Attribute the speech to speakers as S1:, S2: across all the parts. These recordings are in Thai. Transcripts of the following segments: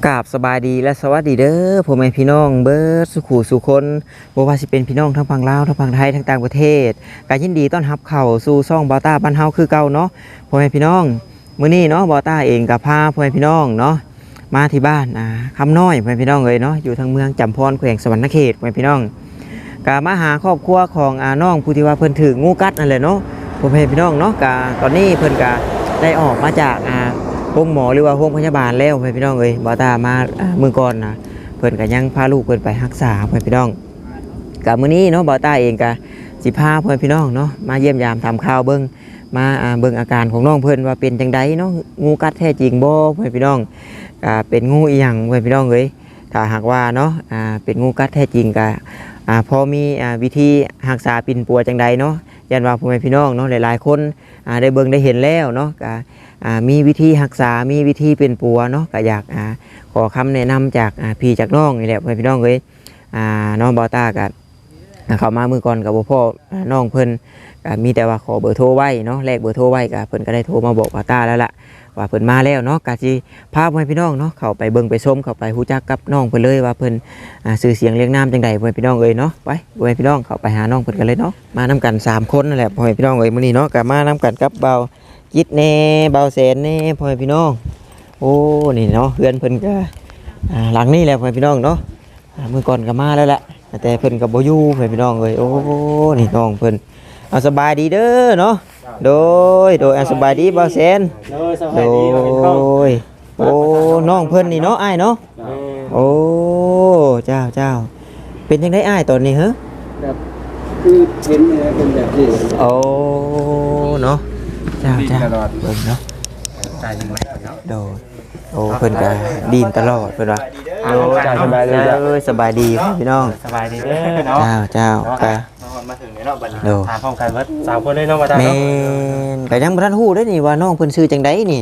S1: กราบสบายดีและสวัสดีเด้อพ่อแม่พี่น้องเบิร์ดสุขุสุคนบ่ว่าสิเป็นพี่น้องทั้งฝั่งลาวทั้งฝั่งไทยทั้งต่างประเทศก็ยินดีต้อนรับเข้าสู่ช่องบอต้าบ้านเฮาคือเก่าเนาะพ่อแม่พี่น้องมื้อนี้เนาะบอต้าเองก็พาพ่อแม่พี่น้องเนาะมาที่บ้านคำน้อยพ่อแม่พี่น้องเอ้ยเนาะอยู่ทางเมืองจำพรแขวงสวรรณเขตพ่อแม่พี่น้องก็มาหาครอบครัวของน้องผู้ที่ว่าเพิ่นถูกงูกัดนั่นแหละเนาะพ่อแม่พี่น้องเนาะก็ตอนนี้เพิ่นก็ได้ออกมาจากโรงหมอหรือว่าโรงพยาบาลแล้วพี่น้องเอ้ยบอตามามือก่อนนะเพิ่นก็ยังพาลูกเพิ่นไปรักษาพี่น้องกับมื้อนี้เนาะบอตาเองก็สิพาพี่น้องเนาะมาเยี่ยมยามทำข่าวเบิ่งมาเบิ่งอาการของน้องเพิ่นว่าเป็นจังไดเนาะงูกัดแท้จริงบ่พี่น้องเป็นงูอีหยังพี่น้องเอ้ยถ้าหากว่าเนาะเป็นงูกัดแท้จริงก็พอมีวิธีรักษาปิ่นปัวจังไดเนาะยันว่าพ่อแม่พี่น้องเนาะหลายๆคนได้เบิ่งได้เห็นแล้วเนาะก็มีวิธีรักษามีวิธีเป็นปัวเนาะก็อยากขอคำแนะนำจากพี่จากน้องนี่แหละพี่น้องเอ้ยน้องบอต้ากับเข้ามามือก่อนกับพ่อน้องเพิ่นมีแต่ว่าขอเบอร์โทรไว้เนาะแลกเบอร์โทรไว้กับเพิ่นก็ได้โทรมาบอกบอต้าแล้วล่ะว่าเพิ่นมาแล้วเนาะก็สิพาพี่น้องเนาะเข้าไปเบิ่งไปชมเข้าไปฮู้จักกับน้องเพิ่นเลยว่าเพิ่นชื่อเสียงเรียงนามจังใดพี่น้องเอ้ยเนาะไปพี่น้องเข้าไปหาน้องเพิ่นกันเลยเนาะมานํกัน3คนนั่นแหละพี่น้องเอ้ยมื้อนี้เนาะก็มานํกันกับเบาจิตแน่เบาแสนแน่พ่อพี่น้องโอ้นี่เนาะเพื่อนเพิ่นก็หลังนี่แหละพ่อพี่น้องเนาะมื้อก่อนก็มาแล้วแหละแต่เพิ่นก็บ่อยู่พ่อพี่น้องเอ้ยโอ้นี่น้องเพิ่นเอาสบายดีเด้อเนาะโดยสบายดีเบาแสนโดยโอ้น้องเพิ่นนี่เนาะอ้ายเนาะโอ้เจ้าเป็นจังได๋อ้ายตอนนี้เหรอ
S2: แบบคือเห็นเป็นแบบนี้
S1: โอ้เนาะเจ้าเบิ่งเนาะ
S2: ตายจริงไหมเนาะ
S1: โดยโอ้เพิ่นก็ดีนตลอดเพิ่นว่า
S2: โอ้จ้าสบายดีจ้า
S1: สบายดีพี่น้อง
S2: สบายดีเด้อเนาะ
S1: เจ้าก็
S2: มาถึงเนาะบัดนี้ถามพร้อมกันว่า3คนเลยเนาะว่าตา
S1: เนาะแม่นก็ยังบ่ทันฮู้เด้นี่ว่าน้องเพิ่นชื่อจังไดนี่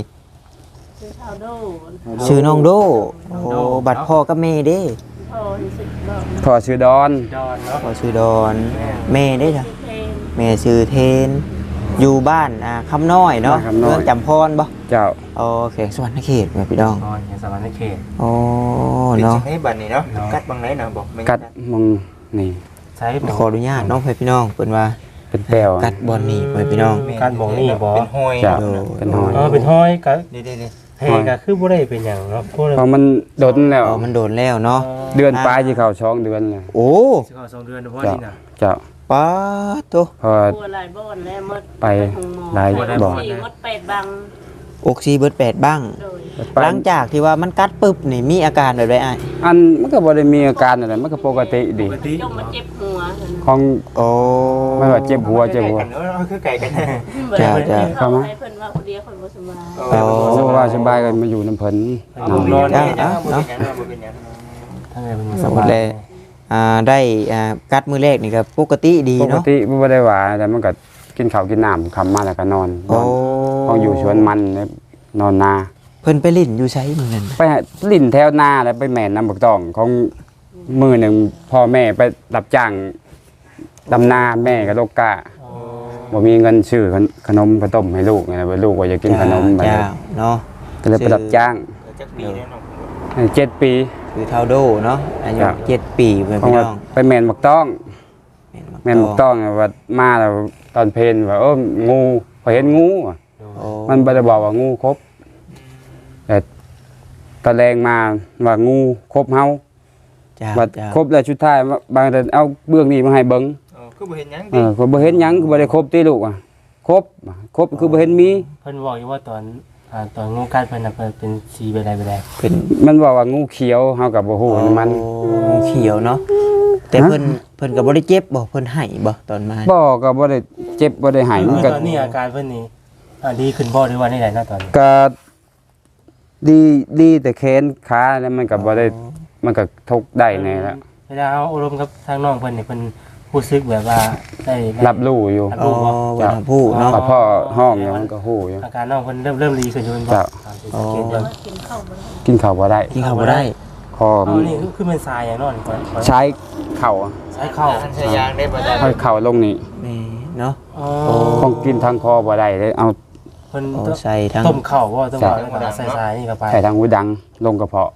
S1: ชื่อน้องโดโอ้บัดพ่อกับแม่เด้
S3: พ่อชื่อดอน
S2: เนาะ
S1: พ่อชื่อดอนแม่เด้จ้ะแม่ชื่อเทนอยู่บ้านคำน้อยเนาะเมืองจำพรบ่
S3: เจ้า
S1: โอเคสวรรณเขตพี่น้อง
S2: สวรรณเขต
S1: โอ้เนาะ
S4: ให้บัดนี้เนาะกัดบางไหนเนาะบอก
S3: กัดมึงนี่
S1: ใช้ขออนุญาตน้องพี่น้องเพิ่นว่า
S3: เป็นแปลว
S1: กัดบอลนี่พี่น้อง
S2: กัดบ่นี่บ่
S4: เป็นห้อย
S3: เป็นห้อย
S2: เป็นห้อยก็นี่เฮก็คือบ่ได้เป็นหยังเนาะ
S3: เพราะมันโดนแล้ว
S1: มันโดนแล้วเนาะ
S3: เดือนปลายสิเข้า2เดือนแล้ว
S1: โอ้
S2: สิเข้า2เดือนเฉพาะนี่น่ะ
S3: เจ้า
S1: ป๊าโต
S3: พอไปหลายบ่อน
S1: อกซีเบิด8บ้างหลังจากที่ว่ามันกัดปึ๊บนี่มีอาการแบบใดอ้าย
S3: อันมันก็บ่ได้มีอาการอะไรมันก็ปกติดี
S5: จมมาเจ็บหัว
S3: ของ
S1: โอ้
S3: ไม่ว่าเจ็บหัว
S4: คือไก่กัน
S1: จ้า
S5: เข้ามาเพิ่นว่าคนเดียวคนบ่สบาย
S3: โอ้ว่าสบายกันมาอยู่น้ำเพิ่น
S1: นอนเนาะ
S2: ทั้งไงมัน
S1: สมมุติเลยได้กัดมื้อแรกนี่ก็ปกติดีเนาะ
S3: ปกติบ่ได้ว่าแต่มันก็กินข้าวกินน้ำค่ำมาแล้วก็นอนของอยู่สวนมันนอนนา
S1: เพิ่นไปลิ้นอยู่ไสมื้อนั้น
S3: ไปลิ้นแถวนาแล้วไปแม่นน้ำบักตองของมือหนึ่งพ่อแม่ไปรับจ้างดำนาแม่กับลูกกะบ่มีเงินซื้อขนมข้าวต้มให้ลูกไงลูกว่าจะกินขนมไป
S1: เนาะ
S3: ก็เลยไปรับจ้าง7 ปี
S1: คือเท่าโดเนาะอายุ7 ปีเพื่อนพี่น้อง
S3: ไปแม่นบักต้องแม่นบักต้องว่ามาแล้วตอนเพลนว่างูพอเห็นงูมันบ่ได้บอกว่างูครบแต่ตะแรงมาว่างูครบเฮาว่าครบแล้วชุดท้ายบางแต่เอาเบื้องนี้มาให้เบิ่ง
S4: คือบ่เห็นหยัง
S3: คือบ่เห็นหยังคือบ่ได้ครบติลูกครบคือบ่เห็นมี
S2: เพิ่นบอกอยู่ว่าตอนงูกัดเพิ่นน่ะเพิ่นเป็นสีใบใด
S3: เป็นมันบอกว่างูเขียวเฮาก็บ่ฮู้มัน
S1: งูเขียวเนาะแต่เพิ่นก็บ่ได้เจ็บบ่เพิ่นให้บ่ตอนมา
S3: บ่ก็บ่ได้เจ็บบ่ได้ให้
S2: มันก็ตอนนี้อาการเพิ่นนี่ดีขึ้นบ่หรือว่าได้นะตอนนี้
S3: ก็ดีแต่แขนขาแล้วมันก็บ่ได้มันก็ทุกได้แน่แล้ว
S2: เวลาเอาอารมณ์กับทางน้องเพิ่นนี่เพิ่นรู้สึกแบบว่าได้
S3: รับรู้อยู่
S1: รับรู้เนาะ
S3: พ่อห้องมันก็ฮู้อยู่
S2: อาการน้องเพิ่นเริ่มดีขึ้นอยู่
S3: บ่กินข้าวบ่ได้คอ
S2: นี่คือมันทรายอย่างนั้น
S3: ใช้เข่า
S2: ใช้เข่า
S4: ใช้ยางได้บ่ได้
S3: ให้เข่าลงนี่
S1: เนาะ
S3: ต้องกินทางคอบ่ได้เลยเอา
S2: เพิ่นใส่ทั้งต้มเข่าบ่ต้องว่าใส่ทรายนี่เข้าไป
S3: ใส่ทางหูดังลงกระเพาะ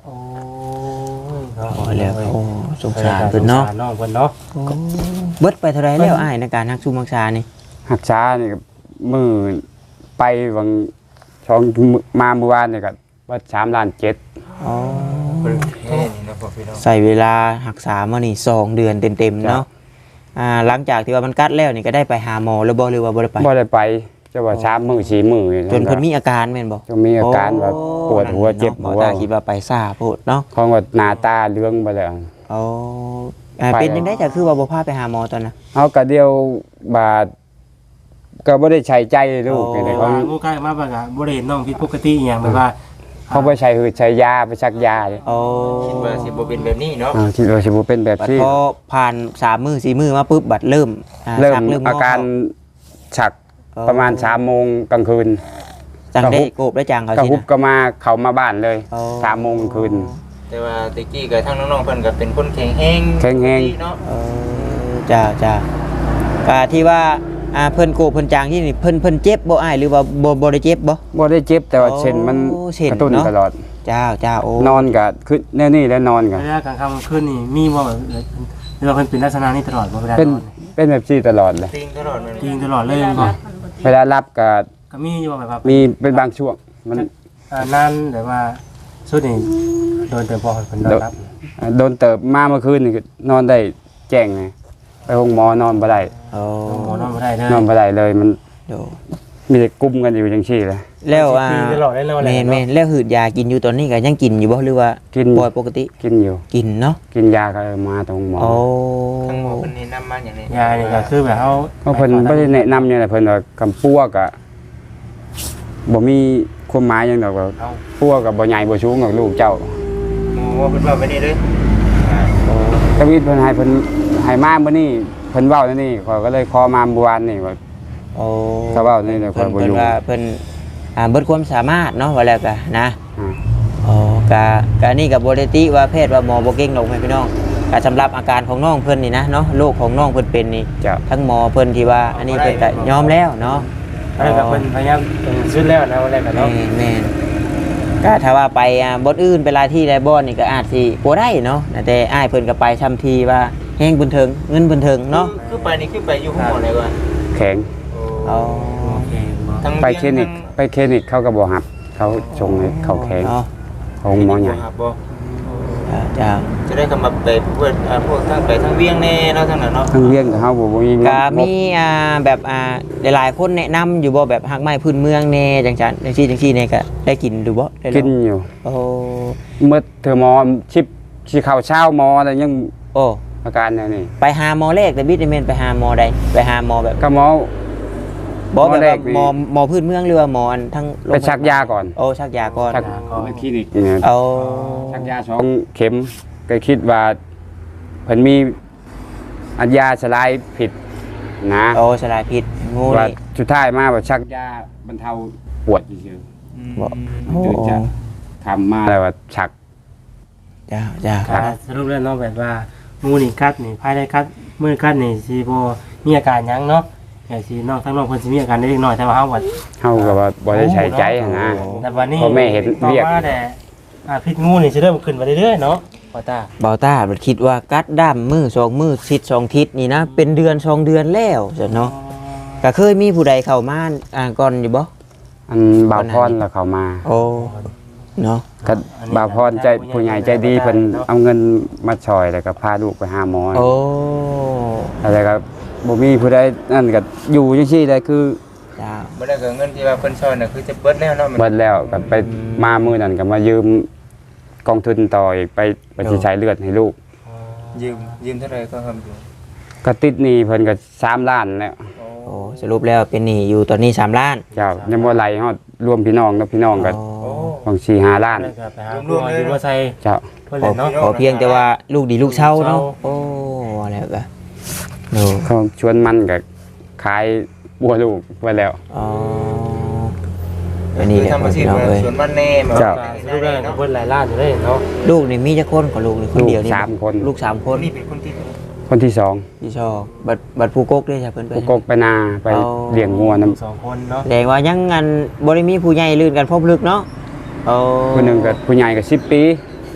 S2: โอ้ยเนาะ
S1: โอ้ยแล้วโอ้สงสารเพิ่นเนาะ
S2: สงสรน้องเพิ่นเนาะ
S1: เบิดไปเท่าไรแล้วอ้ายในการฮักซุมักชานี่
S3: หักช้านี่ก็มือไปวังช่องมาเมื่อวานนี่ก็ว่า3.7 ล้าน
S1: อ๋อ
S4: เพิ่นแค่นี้นะพ่อพี่น้อง
S1: ใส่เวลารักษามานี่2 เดือนเต็มๆเนาะหลังจากที่ว่ามันกัดแล้วนี่ก็ได้ไปหาหมอแล้วบ่หรือว่าบ่ได้ไป
S3: บ่ได้ไปจะว่า3 มื้อ4 มื้อ
S1: จนเพิ่นมีอาการแม่นบ่
S3: จนมีอาการว่าปวดหัวเจ็บ
S1: หม
S3: หั
S1: อ
S3: ว
S1: ตาคิดว่าไปซ่าโพดเนาะ
S3: ของว่าหน้าตาเหลืองไปแล้ว
S1: อ๋อเป็นจังได๋จ้ะคือว่าบ่พาไปหาหมอตอนน่ะ
S3: เอาก็เดียวบาดก็บ่ได้ใช้ใจลูก
S1: โอ้
S3: นี่
S2: แต่
S3: เขา
S2: ว่างูใกล้มาบ่ก็บ่ได้เห็นน้องผิดปกติอีหยังแบบว่า
S3: เขาไปใช้หืดใช้ยาไปชักยาเลย
S1: โอ้
S4: คิดว่าสิบ่เป็นแบบนี้เนาะ
S3: คิดว่าสิบ่เป็นแบบ
S1: บัด
S3: ที่
S1: พอผ่าน3 มื้อ4 มื้อมาปุ๊บบัดเริ่ม
S3: เริ่ม
S1: ชัก
S3: อาการฉัก
S1: อ๋อ
S3: ประมาณ3 โมงกลางคืน
S1: จังได้
S3: กระฮุบ
S1: โกบได้จังเขา
S3: ก็
S1: สิ
S3: ฮุบ
S1: นะ
S3: ก็มาเขามาบ้านเลย
S1: อ๋อ
S3: 3 โมงกลางคืน
S4: แต่ว่าตะกี้ก็ทั้งน้องๆเพิ่นก็เป็นคนแข็งแรง
S3: แข็งแรง
S4: เนาะ
S1: จ้าก็ที่ว่าเพิ่นโกบเพิ่นจางที่นี่เพิ่นเจ็บบ่อ้ายหรือว่าบ่ได้เจ็บบ่
S3: บ่ได้เจ็บแต่ว่าเช่นมัน
S1: โอ้เช่น
S3: กระตุ้น
S1: เนาะ
S3: ตลอด
S1: จ้าโอ้
S3: นอนก็คือแน่นี่แล้วนอนก็
S2: เวลากลางค่ำคืนนี่มีบ่แบบหรือว่าเพิ่นเป็นลักษณะนี้ตลอดบ่เวลา
S3: เป็น
S2: นอน
S3: เป็นแบบนี้ตลอดเลย
S4: ติงตลอดมัน
S2: จริงตลอดเลยบ่
S3: เวลารับก็
S2: ก็มีอยู่แบบว่า
S3: มีเป็นบางช่วงมัน
S2: นานแบบว่าสุดนี่โดนเติมพอเพิ่นนอนรับ
S3: โดนเติบมาเมื่อคืนนี่ก็นอนได้แจ้งไงไปห้องหมอนอนบ่ได้
S1: โอ้
S2: หมอนอนบ่ได้เลย
S3: นอนบ่ได้เลยมัน
S1: โด
S3: มีแต่กุมกันอยู่จังซี่เลย
S1: แล้ว
S2: จริงตลอดได้เลย
S1: แม่นแล้วหืดยากินอยู่ตอนนี้ก็ยังกินอยู่บ่หรือว่า
S3: กิน
S1: ปล่อยปกติ
S3: กินอยู่
S1: กินเนาะ
S3: กินยาก็มาตรงหมอ
S1: โอ้
S4: ทั้งหมดเพิ่นแนะนำมาอย่างนี้
S2: ยานี่ก็คือแบบเฮา
S3: เพราะเพิ่นบ่ได้แนะนำหยังเลยเพิ่นว่ากำปัวก็บ่มีความหมายหยังดอกว่าปัวก็บ่ใหญ่บ่สูงกับลูกเจ้า
S4: หมอว่าเพิ่นว่าไปนี่เด้อ
S3: ทวิตเพิ่นให้มามื้อนี้เพิ่นเว้านี่ข้อยก็เลยขอมาเมื่อวานนี่ว่า
S1: โอ้
S3: เขาเว้านี่เดี๋ยวข้
S1: เพิ่
S3: อยบ่อยู่
S1: นว่าเพิ่นเบิดความสามารถเนาะว่าแล้วก็นะ
S3: อ่า
S1: อ๋อกะนี่กับบ่ได้ติว่าแพทย์ว่าหมอบ่เก่งดอกแม่พี่น้องก็สำหรับอาการของน้องเพิ่นนี่นะเนาะโรคของน้องเพิ่นเป็นนี่
S3: เจ้า
S1: ทั้งหมอเพิ่นที่ว่าอันนี้เพิ่นก็ยอมแล้วเนาะ
S2: แล้วก็เพิ่นพยายามเป็นสุดแล้วนะวันแรกก็เนาะ
S1: แม่นก็ถ้าว่าไปบ่อนอื่นไปหลายที่หลายบ่อนนี่ก็อาจสิบ่ได้เนาะแต่อ้ายเพิ่นก็ไปทำทีว่าแฮงบุญเทิงเงินบุญเทิงเนาะ
S4: คือไปนี่คือไปอยู่ห้องหมอเลยว่ะ
S3: แข็ง
S1: อ๋อ
S2: โอเคบ่
S4: ทั้ง
S3: ไปคลินิกเขาก็บ่รับเขาส่งให้เขาแข็ง
S1: เนาะ
S3: ของหมอใหญ่
S4: บ่
S1: จ้า
S4: จะได้กำมาไปพวกทั้งไปทั้งเวียงแน่เนาะทั้งนั้นเนาะ
S3: ทั้งเลี้ยงกับเฮาบ่มี
S1: ก็มีแบบหลายๆคนแนะนำอยู่บ่แบบฮักไม้พื้นเมืองแน่จังซั่นจังซี่นี่ก็ได้กินดูบ่ได้ลอง
S3: กินอยู่
S1: โอ้
S3: เมื่อเธอหมอชิปสิเข้าเช้าหมอแล้วยัง
S1: โอ้
S3: อาการแนวนี้
S1: ไปหาหมอแรกแต่บิดนี่แม่นไปหาหมอใดไปหาหมอแบบ
S3: ก็หมอ
S1: บ่แบบ
S3: หมอแร
S1: ว่าก
S3: นี่
S1: หมอพื้นเมืองหรือว่าหมออันทั้งโรง
S3: ไปชักยาก่อน
S1: โอ้ชักยาก่อน
S3: ชักคลินิกเนี่ย
S1: เอา
S3: ชักยา2 เข็มก็คิดว่าเพิ่นมีอัญญาสลายผิดนะ
S1: โอ้สลายพิษงู
S3: ว่า
S1: นี่
S3: สุดท้ายมาว่าชักยาบรรเทาปวดเฉย
S1: บ่
S3: ๆ
S1: โอ้
S3: เดี๋ยวจะทำมาแล้วว่าชัก
S1: จ้า
S3: ครับ
S2: สรุปแล้วเนาะแบบว่างูนี่กัดนี่ภายในกัดมือกัดนี่สิบ่มีอาการหยังเนาะแต่สิน้องทั้งน้องเพิ่นสิมีอาการเล็กน้อยแต่ว่าเฮาว่า
S3: เฮาก็ว่าบ่ได้ใช้ใจหั้นนะ
S2: แต่วันนี้
S3: พ่อแม่เห็นเรียก
S2: ต่อมาแต่พิษงูนี่สิเริ่มขึ้นมาเรื่อยๆเนาะพ่อตา
S1: เบาตาบัดคิดว่ากัดด้ามมือ2มือทิศ2ทิศนี่นะเป็นเดือน2เดือนแล้วจ้ะเนาะก็เคยมีผู้ใดเข้ามาก่อนอยู่บ่
S3: อันบ่าวพรแล้วเขามา
S1: โอ้เนาะ
S3: ก็บ่าวพรใจผู้ใหญ่ใจดีเพิ่นเอาเงินมาช่วยแล้วก็พาลูกไปหาหมอ
S1: โอ้
S3: อะไรก็บ่มีผู้ใดนั่นก็อยู่จังซี่ได้คือ
S1: จ้า
S4: บ่ได้ก็เงินที่ว่าเพิ่นซ่อนน่ะคือจะเบิดแล้วเนาะมัน
S3: เบิดแล้วก็ไปมามื้อนั้นก็มายืมกองทุนต่ออีกไปสิใช้เลือดให้ลูก
S4: ยืมเท่าไหร่ก็ทำอยู่
S3: ก็ติดหนี้เพิ่นก็3 ล้านแล้ว
S1: โอ้สรุปแล้วเป็นหนี้อยู่ตอนนี้3ล้าน
S3: เจ้ายังบ่ไหลฮอดรวมพี่น้องกับพี่น้องก็
S1: โอ้
S3: บาง4-5 ล้าน
S2: แล้วก็ไปหาคุณหมออยู่ว่าใส่
S3: เจ้า
S2: เพิ่นเลยเนาะ
S1: ขอเพียงแต่ว่าลูกดีลูกเช่าเนาะโอ้แล้วก็โน
S3: เขาชวนมันก็ขายบัวลูกไว้แล้ว
S1: อ๋ออันนี้แหละ
S4: ทำอาชีพ
S1: พี่น้องเอ้ย
S4: สวนบ้านแน่มา
S3: เจ้า
S2: สรุปแล้วก็เพิ่นหลายล้านอยู่เลยเนาะ
S1: ลูกนี่มีจักคนของลูกนี่คนเดียวนี่
S3: ลูก3 คน
S1: ลูก3 ค
S4: คน นนี้เป็นคนที่
S3: คนที่สอง
S1: พี่ชอบบัดผู้กกด้วยจ้ะเพิ่นไป
S3: ผู้กกไปนาไปเลี้ยงงัวน้ำ
S2: สองคนเนาะ
S1: แสดงว่ายังงานบ่ได้มีผู้ใหญ่ลื่นกันพบลึกเนาะโอ้
S3: ผู้หนึงก็ผู้ใหญ่ก็10 ปี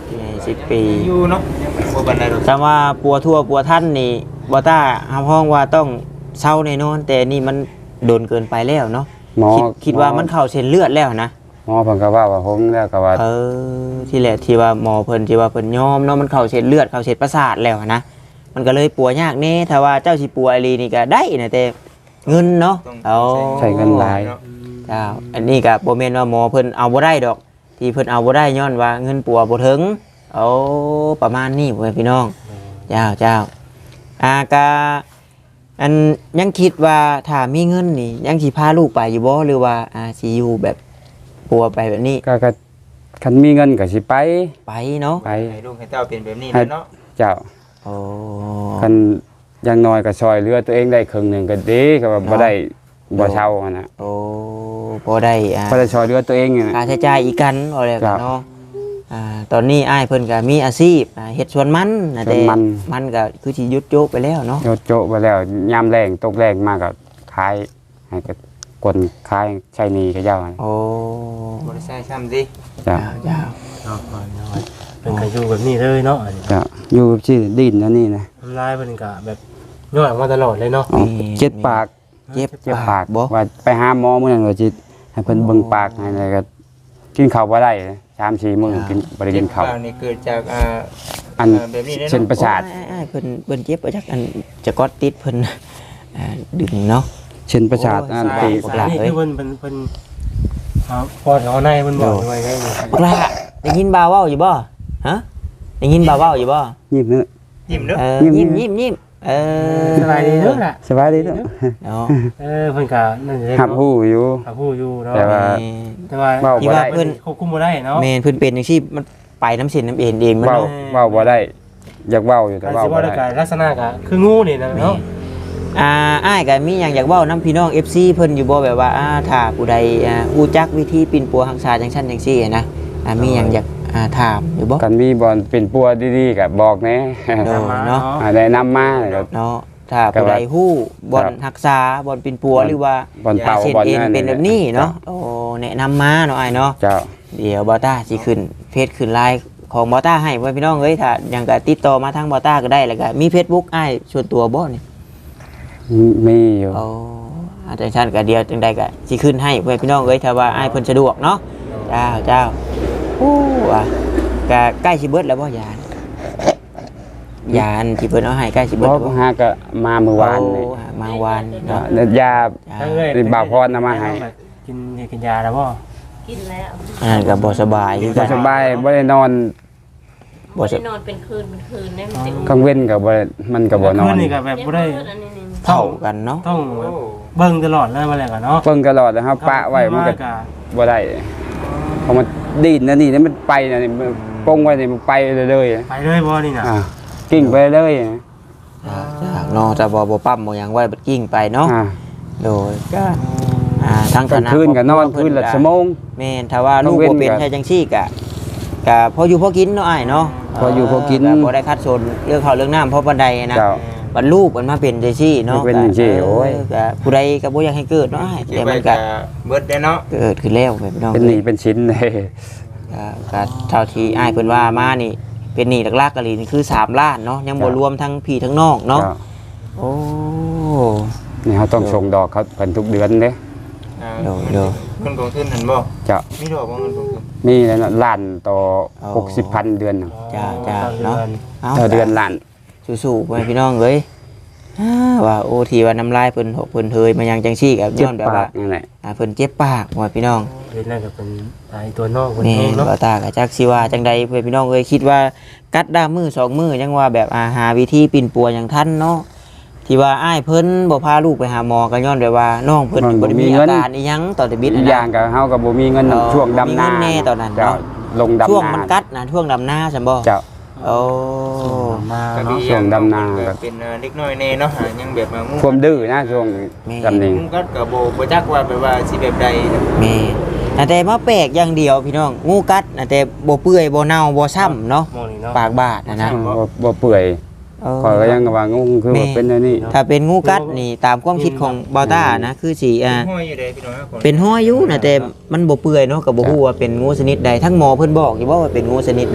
S1: 10 ปี
S4: อยู่เนาะบ่ปานใดดอก
S1: แต่ว่าปัวทั่วปัวท่านนี่บ่ต้าห้องว่าต้องเศร้าแน่นอนแต่นี่มันโดนเกินไปแล้วเนาะ
S3: หมอ
S1: คิดว่ามันเข้าเส้นเลือดแล้วนะ
S3: หมอเพิ่นก็ว่าผมแล้วก็ว่า
S1: ที่แหละที่ว่าหมอเพิ่นที่ว่าเพิ่นยอมเนาะมันเข้าเส้นเลือดเข้าเส้นประสาทแล้วนะมันก็เลยปัวยากแน่ถ้าว่าเจ้าสิปัวอีหลีนี่ก็ได้นะแต่เงินเนาะ
S4: ต้อง
S3: ใช้เงินหลาย
S4: เนาะ
S1: เจ้าอันนี้ก็บ่แม่นว่าหมอเพิ่นเอาบ่ได้ดอก ที่เพิ่นเอาบ่ได้ย้อนว่าเงินปัวบ่ถึงเอาประมาณนี้พ่อแม่พี่น้องเจ้าก็อันยังคิดว่าถ้ามีเงินนี่ยังสิพาลูกไปอยู่บ่หรือว่าสิอยู่แบบปัวไปแบบนี้
S3: ก็คันมีเงินก็สิไป
S1: ไปเนาะ
S3: ไป
S4: ให้ลูกให้เต้าเป็นแบบนี้แหละเนาะ
S3: เจ้า
S1: โอ้
S3: คันอยังน้อยก็ซอยเหลือตัวเองได้ครึ่งหนึงก็ดีก็ว่าบ่ได้บ่เช่าอะนะ
S1: โอ้บ่ได้
S3: บ่ได้ซอยเหลือตัวเองอะ
S1: ค่าใช้จ่ายอีกกันว่าแล้ว
S3: ครั
S1: กับ นเนาะตอนนี้อ้ายเพิ่นก็มีอาชีพเฮ็ดสวนมันนะ
S3: สวนมัน
S1: มันก็คือสิหยุดโจกไปแล้วเนาะ
S3: โยโจะไปแล้วยามแรงตกแรงมากก็ขายให้ก็คนขายใช้หนี้กับเจ้าอะ
S1: โอ้
S4: บ่ได้ใช้ช้ำดิ
S3: จ้ะ
S1: เจ้า
S2: เนาะก่อนเนาะเป็นก็อยู่แบบนี้เลยเนาะอันนี้
S3: จ้ะอยู่แบบที่ดินอันนี้นะ
S2: ทำลายเพิ่นก็แบบย่อยมาตลอดเลยเนาะ
S3: อ๋อเจ็บปาก
S1: เจ็บ
S3: เจ็บปาก
S1: บ่
S3: ว่าไปหาหมอมื้อนั้นว่าจิให้เพิ่นเบิ่งปากให้แล้วก็กินข้าวบ่ได้3-4มื้อกินบ่ได้กินข้าว
S4: เจ็บปนี่เกิดจาก
S3: อัน
S4: แบบนี้เนาะ
S3: เส้นประสาท
S1: อ้ายเพิ่นเจ็บไปจากอันจะกอดติดเพิ่นดึงเนาะ
S3: เส้นประสาทอัน
S1: โอ้
S3: ตี
S1: ย
S2: สานี่คือเพิ่นพอเอาในเพิ่นบอกไว้ไงนี่
S1: บักละได้ยินบ่าวเว้าอยู่บ่ฮะได้ยินบ่าวเว้าอยู่บ่
S3: ยิ้มเด้อ
S4: ยิ้มเด้อ
S1: ยิ้ม
S2: สบายดีเด้อล่ะ
S3: สบายดีเด้อ
S1: เนาะ
S2: เพิ่นก็นั่นสิ
S3: หับหู้อยู่
S2: หับฮู้อยู่เนาะ
S3: แต่ว่า
S2: แต่ว่า
S3: เว้า
S1: ที่
S3: บ่
S1: ว่า
S3: ได้
S1: เพิ่น
S2: ควบคุมบ่ได้เนาะ
S1: แม่นเพิ่นเป็นจังซี่มันไปน้ำเส้นน้ำเอ็นเองมัน
S3: เว้า
S1: เนาะ
S3: เว้าบ่ได้อยากเว้าอยู่แต่
S2: การ
S3: เว้า
S2: สิ
S3: บ่
S2: ว่า
S3: ได้
S2: ได้ลักษณะก็คืองูนี่นะเนาะ
S1: อ้ายก็มีหยังอยากเว้านำพี่น้อง FC เพิ่นอยู่บ่แบบว่าถ้าผู้ใดฮู้จักวิธีปิ่นปัวรักษาจังซั่นจังซี่นะมีหยังอยากถามอยู่บ่
S3: กันมีบอลเป็นปัวดีๆก็บอกแหน่
S1: โดยเนาะ
S3: ได้นำมาก็
S1: เนาะถ้าผู้ใดฮู้บ่อนรักษาบ่อนปิ่นปัวหรือว่า
S3: บอลเป่า
S1: เส้น
S3: บอล
S1: เอ็น
S3: นั่น
S1: เป็นแบบนี้เนาะโอ้แนะนำมาเนาะอ้ายเนาะ
S3: เจ้า
S1: เดี๋ยวบอต้าสิขึ้นเพจขึ้นไลน์ของบอต้าให้ไว้พี่น้องเอ้ยถ้ายังก็ติดต่อมาทางบอต้าก็ได้แล้วก็มี Facebook อ้ายส่วนตัวบ่นี่
S3: มีอยู่
S1: เอาอาจารย์ชันก็เดียวจังใดก็สิขึ้นให้ไว้พี่น้องเอ้ยถ้าว่าอ้ายเพิ่นสะดวกเนาะเจ้าโอ้ว่ะก็ใกล้สิเบิดแล้วบ่ยานยานที่เพิ่นเอาให้ใกล้สิเบิ
S3: บ
S1: ด
S3: อ
S1: แล้ว
S3: ก
S1: บ่
S3: หาก็มาเมื่อวานนี่
S1: โอ้มาวานเนาะ
S3: ยา
S2: ทั้งเอ้ย
S3: เป็นบ่าวพรนำมาให้
S2: กินยาแล้วบ่
S5: กินแล้ว
S1: อันนั้นก็บ่สบายคือ
S3: บ่
S1: กัน
S3: สบายบ่ได้นอน
S1: บ่ส
S5: ได้นอนเป็นคืนเนี่ยมันจะ
S3: กลางเว้นก็บ่ได้มันก็บ่นอน
S2: คืนี่ก็แบบบ่ได้
S5: อันนี้
S1: เท่ากันเนาะ
S2: ต้องแบบเบิ่งตลอดเลยมาแล้วกันเนาะ
S3: เพิ่งตลอดนะครับปะไว้มันก็บ่ได้พอมันดีดนะนี่มันไปนะนี่มันปงไว้นี่มันไปเรื่อย
S2: ไปเลยบ่นี่น่ะ
S3: ๆกิ้งไปเรื่อย
S1: จากเนาะจะบ่ปั๊มบ่หยังไว้บัดกิ้งไปเนาะ โดยก็ทั้ง
S3: กลางคืนก็นอนคืนละชั่วโมง
S1: แม่นถ้าว่าลูก
S3: ต้องเว้
S1: บ่
S3: น
S1: เป็น
S3: กัน
S1: ใช่จังซี่ก็พออยู่พอกินเนาะอ้ายเนาะ
S3: พออยู่พอกิน
S1: บ่ได้คัดสนเรื่องข้าวเรื่องน้ำเพราะปานใดนะ
S3: เจ้า
S1: บัดลูกมันมาเป็นจังซี่เนาะ
S3: มันเป็นจังซี่โอ้ย
S1: ก็ผู้ใดก็บ่อยากให้เกิดเนาะอ้าย
S4: เจ็
S1: แต่
S4: บไป
S1: มัน
S4: ก็
S1: ก็
S4: เบิดได้เนาะ
S1: เกิดขึ้นแล้วแม่พี่น้อง
S3: เป็นหนี้เป็นชิ้นเลย
S1: ก็เท่าที่อ้ายเพิ่นว่ามานี่เป็นหนี้หลักๆก็นี่คือ3ล้านเนาะยังบ่รวมทั้งพี่ทั้งน้องเนาะ
S3: จ้
S1: โอ้
S3: นี่เขาต้องส่งดอกเขาเพิ่นทุกเดือนเด้
S1: เดี๋ยว
S4: เงินกองทุนหันบ่
S3: เจ้า
S4: มีดอกบ่เงินกองทุน
S3: มีแล้วนะล้านต่อ
S1: เอา
S3: 60,000เดือนน่ะ
S1: จ้าเนาะ เอา
S3: ต่อเดือนล้าน
S1: สู้ๆไปพี่น้องเอ้ยว่าโอทีว่าน้ำลายเพิ่นหกเพิ่นเฮยมายังจังซี่กับ
S3: เจ็บ
S1: ย้อนแบบ
S3: ปา
S1: ว่าก
S3: นั่นแหละ
S1: เพิ่นเจ็บปากว่าพี่น้อง
S2: เดือนนั้นก็เป็นไอ้ตัวนอกคน
S1: นี่
S2: เองเนาะ
S1: บ่ตาก็จักสิว่าจังใดเพิ่นพี่น้องเอ้ยคิดว่ากัดด้ามมือ2มือยังว่าแบบหาวิธีปิ่นปัวอย่างทันเนาะที่ว่าอ้ายเพิ่นบ่พาลูกไปหาหมอก็ย้อนแบบว่าน้องเพิ่นบ่ได้มีอาการอีหยังตอนที่บิด
S3: อีกอย่างก็เฮาก็บ่มีเงินช่วงดำนา
S1: บ่มีเงินแน่ตอนนั้น
S3: เจ้า
S1: เนาะ
S3: ลงดำนา
S1: ช่วงมันกัดนะช่วงดำนาซั่นบ่
S3: เจ้า
S1: โอ้
S2: มา
S4: ก็
S2: เนาะ
S4: ดี
S3: ช่วงดำนา
S4: ก็เป็นเด็กน้อยแน่เนาะยังแบบงู
S3: ความดื้อนะช่วงดำนี้
S4: งูกัดก็บ่จักว่าแบบว่าสิแบบใด
S1: แม่แต่มาแปลกอย่างเดียวพี่น้องงูกัดแต่บ่เปื่อยบ่เน่าบ่ช้ำเนาะ
S2: มองนี่เนาะ
S1: ปากบาดนะ
S3: บ่เปื่อยข่อยก็ยังว่างูคือว่าเป็นอันนี้
S1: ถ้าเป็นงูกัดนี่ตามความคิดของบอต้านะคือสี
S4: ห้อยอยู่เด้พี่น้องคน
S1: เป็นห้อยอยู่นะแต่มันบ่เปื่อยเนาะก็บ่ฮู้ว่าเป็นงูชนิดใดทั้งหมอเพิ่นบอกอยู่ว่าเป็นงูชนิดใด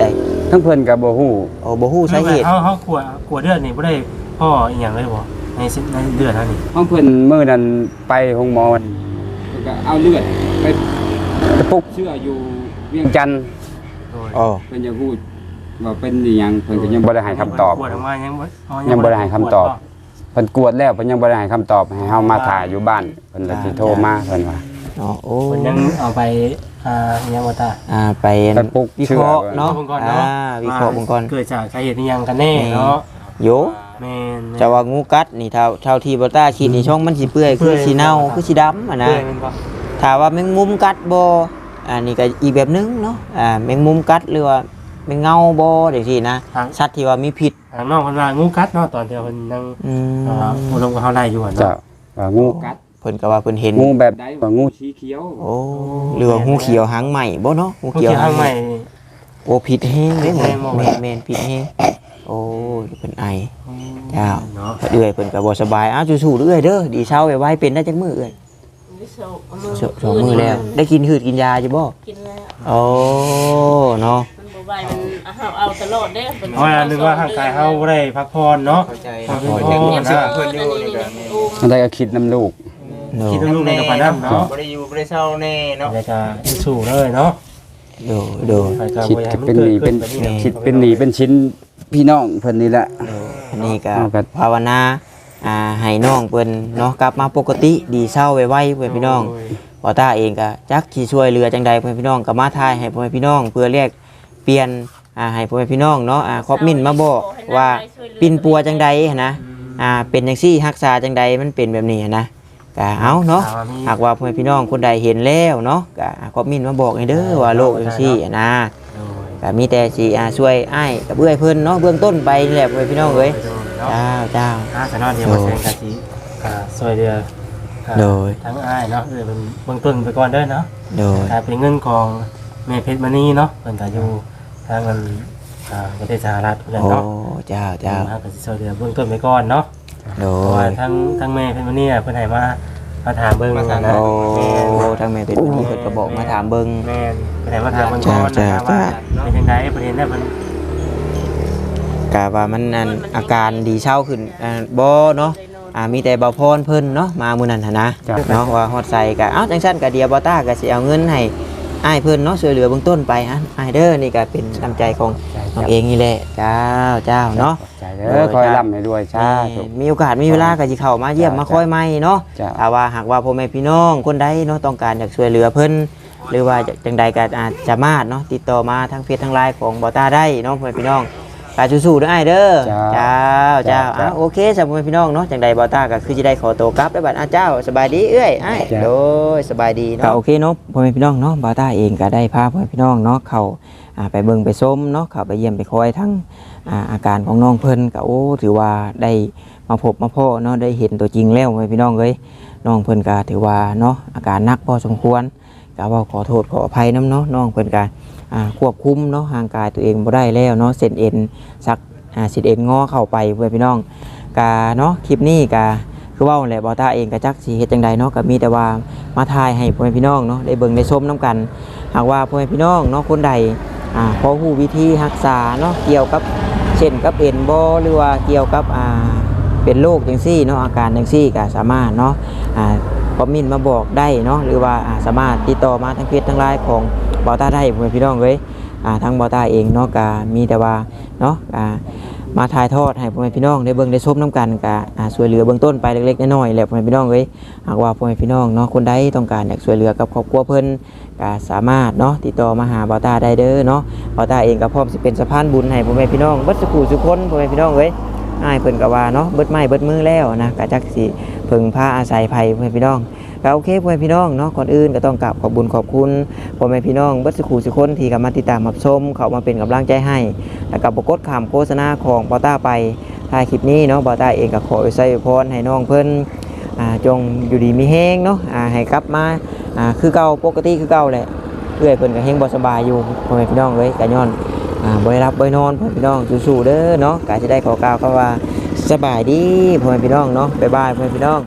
S3: ทั้งเพิ่นก็บ่ฮู้
S1: โอ้บ่ฮู้สาเหตุ
S2: เขาขวดเลือดนี่บ่ได้พ่ออีหยังเลยบ่ในเลือดเท่านี้
S3: ห้องเพิ่นมื้อนั้นไปห้องหมอเพิ่นก็เอาเลือดไปตะปุกเชื่ออยู่เวียงจันทน์
S2: โดย
S1: อ๋อ
S3: เพิ่นจะพูดว่าเป็นอีหยังเพิ่นก็ยังบ่ได้ให้คำตอบ
S2: ขวดออกมายังบ่
S3: ยังบ่ได้ให้คำตอบ เพิ่นกวดแล้วเพิ่นยังบ่ได้ให้คำตอบให้เฮามาถ่ายอยู่บ้านเพิ่นเลยสิโทรมาเพิ่นว่า
S1: อ๋อโอ้
S2: เพิ่นยังเอาไปยังบ่ตา
S1: ไป
S3: ไปปลุก
S1: วิเคราะห์
S3: เชื่อ
S1: เนาะ
S2: วิเคราะห์เนาะ
S1: วิเคราะห์เบิ่งก่อน
S2: เกิดจากสาเหตุอีหยังกันแน่เนาะ
S1: โย
S2: แม่น
S1: จะว่างูกัดนี่เท่าที่บ่ต้าคิดนี่ช่องมันสิเปื่อยคือสิเน่าคือสิดำอ่ะนะ
S2: เปื่อยแม่นบ่
S1: ถ้าว่าแมงมุมกัดบ่อันนี้ก็อีกแบบนึงเนาะแมงมุมกัดหรือว่าแมงเงาบ่จังซี่นะสัตว์ที่ว่ามีพิษ
S2: ทางน้องเพิ่นว่างูกัดเนาะตอนที่เพิ่นนั่ง
S1: อืม
S2: อบรมกับเฮาได้อยู่อะ
S3: เจ้า
S2: เนาะ
S3: ว่างูกัด
S1: เพิ่นก็ว่าเพิ่นเห็น
S3: งูแบบใดว่างูสีเขียว
S1: โอ้หรือว่างูเขียวหางใหม่บ่เนาะงู
S2: งู
S1: เขียว
S2: เขียวหางใหม่
S1: โอ้ผิดแฮงเด้
S2: ผิดแฮงบ่
S1: แม่นผิดแฮงโอ้เพิ่นไอ เจ้า
S2: เนาะ
S1: เอื้อยเพิ่นก็บ่สบายอ้าวสู้ๆเด้อเอื้อยเด้อดีเช้าไว้เป็นได้จักมื้อเอื้อย
S5: วิโซเอามือ
S1: สองมื้อแล้ว ได้กินหืดกินยาอยู่บ่
S5: กินแล้ว
S1: โอ้เนาะ
S5: มันบ่ไหวมันเอาตลอดเด้เป็น
S2: เพราะว่านึกว่าร่างกายเฮาบ่ได้พักผ่อนเนาะ
S4: เข้าใจ
S2: พัก
S4: เนาะ
S2: ผ่อน
S4: เพิ่น
S2: นะ
S4: เพิ่นอยู่นี่ก็
S3: มันได้ก็คิดน้ำลูก
S1: เนาะ
S2: คิดว่าลูกในกระปานน้ำเนาะ
S4: บ่ได้อยู่บ่ได้เศร้าแน่เนาะ
S2: แล้วก็สู้เลยเนาะ
S1: โด
S2: ไปก็
S3: คิด
S2: บ่อยากให้
S3: จะ
S2: มั
S3: เป็นหนีเป็น
S2: กิดขึ้
S3: คิดเป็นหนีเป็นชิ้นพี่น้องเพิ่นนี่แหละ
S1: อันนี้ก็
S3: เอากัน
S1: ภาวนาให้น้องเพิ่นเนาะกลับมาปกติดีเศร้าไวๆเพื่อนพี่น้องบ่ตาเองก็จักสิช่วยเหลือจังใดเพื่อนพี่น้องก็มาทายให้พ่อแม่พี่น้อง เพื่อเรียกเปลี่ยนให้พ่อแม่พี่น้องเนาะครอบมินมาบอกว่าปินปัวจังใดหั้นนะเป็นจังซี่รักษาจังใดมันเป็นแบบนี้หั้นนะก็เอาเนาะหากว่าพ่อแม่พี่น้องคนใดเห็นแล้วเนาะก็ครอบมินมาบอกให้เด้อว่าโรคจังซี่หั้นนะก็มีแต่สิช่วยอ้ายกับเอื้อยเพิ่นเนาะเบื้องต้นไปนี่แหละพ่อแม่พี่น้องเอ้ยเจ้า
S2: สนอนเดียวมาแซงกะทิซอยเดือ
S1: โดย
S2: ทั้งอ้ายเนาะเป็นเบื้องต้นไปก่อนเด้อเนาะ
S1: โดย
S2: เป็นเงินของแม่เพชรมณีเนาะเพิ่นก็อยู่ทางนั้นประเทศสหรัฐเพิ่น
S1: โอ้
S2: เนาะ
S1: เจ้าเจ้า
S2: มาก็สิซอยเดือเบื้องต้นไปก่อนเนาะ
S1: โด
S2: เพราะว่าย ทั้งแม่เพชรมณีเพิ่นให้มาถามเบิ่งนะ
S1: โอ้ทางแม่เป็นผู้นี้เพิ่นก็บอกมาถามเบิ่ง
S2: แม่เพิ่นให้มาถามเบิ่งก่อน
S1: จ้า
S2: นะครับ
S1: จ้า
S2: ว่าเป็นจังได๋ประเด็นได้เพิ่น
S1: กะว่ามันอันอาการดีเช้าขึ้นบ่เนาะมีแต่เบาพรเพิ่นเนาะมามื้อนั้นหั่นนะเนาะว่าฮอดใส่ก็เอ้าจังซั่นก็เดียวบ่ต้าก็สิเอาเงินให้อ้ายเพิ่นเนาะช่วยเหลือเบื้องต้นไปอ้ายเด้อนี่ก็เป็นน้ำใจของน้องเองนี่แหละเจ้าเนาะ
S3: ใจเด้อคอยร่ำให้ด้วยชาธุ
S1: มีโอกาสมีเวลาก็สิเข้ามาเยี่ยมมาคอยใหม่เนาะ
S3: จ้า
S1: ถ้าว่าหากว่าพ่อแม่พี่น้องคนใดเนาะต้องการอยากช่วยเหลือเพิ่นหรือว่าจังใดก็อาจจะมาเนาะติดต่อมาทางเฟซทางไลน์ของบ่ต้าได้เนาะพ่อแม่พี่น้องก็สู้ๆเด้ออ้ายเด้อเจ้าโอเคสำหรับพ่อแม่พี่น้องเนาะจังใดบ่ต้าก็คือสิได้ขอตัวกลับได้อบัดเจ้าสบายดีเอ้ยอ้ายโดยสบายดีเนาะโอเคเนาะพ่อแม่พี่น้องเนาะบ่ต้าเองก็ได้พาพ่อแม่พี่น้องเนาะเข้าไปเบิ่งไปชมเนาะเข้าไปเยี่ยมไปคอยทั้งอาการของน้องเพิ่นก็โอ้ถือว่าได้มาพบมาพ้อเนาะได้เห็นตัวจริงแล้วพ่อแม่พี่น้องเอ้ย น้องเพิ่นก็ถือว่าเนาะอาการหนักพอสมควรก็ว่าขอโทษขออภัยน้ำเนาะน้องเพิ่นก็ควบคุมเนาะห่างกายตัวเองบ่ได้แล้วเนาะเส้นเอ็นสักเส้นเอ็นงอเข้าไปเพื่อนพี่น้องก็เนาะคลิปนี้ก็คือเว้าแหละบ่ตาเองก็จักสิเฮ็ดจังใดเนาะก็มีแต่ว่ามาถ่ายให้พ่อแม่พี่น้องเนาะได้เบิ่งได้ชมนํกันหากว่าพ่อแม่พี่น้องเนาะคนใดพอฮู้วิธีรักษาเนาะเกี่ยวกับเช่นกับเอ็นบ่หรือว่าเกี่ยวกับเป็นโรคจังซี่เนาะอาการจังซี่ก็สามารถเนาะคอมเมนต์มาบอกได้เนาะหรือว่าสามารถติดต่อมาทางเพจทางไลน์ของบอต้าได้เพื่อนพี่น้องเลยทางบอต้าเองเนาะก็มีแต่ว่าเนาะมาถ่ายทอดให้พ่อแม่พี่น้องได้เบิ่งได้ชมน้ำกันก็ช่วยเหลือเบื้องต้นไปเล็กๆน้อยๆแหละพ่อแม่พี่น้องเลยหากว่าพ่อแม่พี่น้องเนาะคนใดต้องการอยากช่วยเหลือกับครอบครัวเพิ่นก็สามารถเนาะติดต่อมาหาบอต้าได้เด้อเนาะบอต้าเองก็พร้อมสิเป็นสะพานบุญให้พ่อแม่พี่น้องเบิดสุขสุขคนพ่อแม่พี่น้องเลยอ้ายเพิ่นก็ว่าเนาะเบิดไม้เบิดมือแล้วนะก็จักสิเพิ่งพาอาศัยภัยพ่อแม่พี่น้องก็โอเคพ่อแม่พี่น้องเนาะก่อนอื่นก็ต้องกราบขอบบุญขอบคุณพ่อแม่พี่น้องเบิดสุขสุขคนที่เข้ามาติดตามรับชมเข้ามาเป็นกำลังใจให้แล้วก็บ่กดข้ามโฆษณาของบอต้าไปท้ายคลิปนี้เนาะบอต้าเองก็ขออวยพรให้น้องเพิ่นจงอยู่ดีมีแฮงเนาะให้กลับมาคือเก่าปกติคือเก่าแหละเอื้อยเพิ่นก็แฮงบ่สบายอยู่พ่อแม่พี่น้องเอ้ยก็ย้อนบ่ได้รับบ่ได้นอนพ่อแม่พี่น้องสู้ๆเด้อเนาะก็สิได้ขอกล่าวคำว่าสบายดีพ่อแม่พี่น้องเนาะบ๊ายบายพ่อแม่พี่น้อง